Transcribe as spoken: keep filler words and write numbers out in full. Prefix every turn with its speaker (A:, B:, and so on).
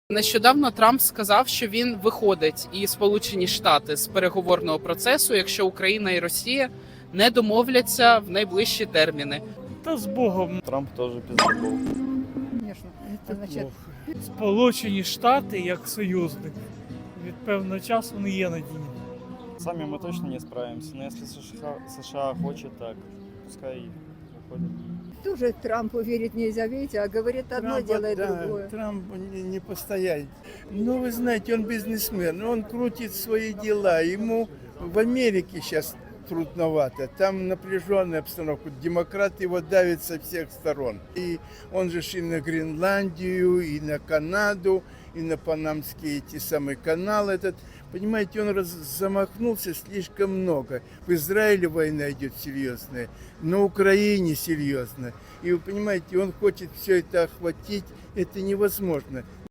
A: Нещодавно Трамп сказав, що він виходить і Сполучені Штати з переговорного процесу, якщо Україна і Росія не домовляться в найближчі терміни.
B: Та з Богом.
C: Трамп теж піздаков.
D: Конечно, это значит,
B: Сполучені Штати як союзник від певного часу не є надійні.
C: Сами мы точно не справимся, но если США, США хочет так, пускай и выходит.
D: тоже Трампу верить нельзя, видите, а говорит одно,
E: Трампа,
D: делает
E: да,
D: другое.
E: Трамп не, не постоять. Ну, вы знаете, он бизнесмен, он крутит свои дела. Ему в Америке сейчас трудновато. Там напряженная обстановка. Демократы его давят со всех сторон. И он же ж и на Гренландию, и на Канаду, и на Панамский эти самые каналы этот. Понимаете, он раз, замахнулся слишком много. В Израиле война идет серьезная, на Украине серьезная. И вы понимаете, он хочет все это охватить. Это невозможно.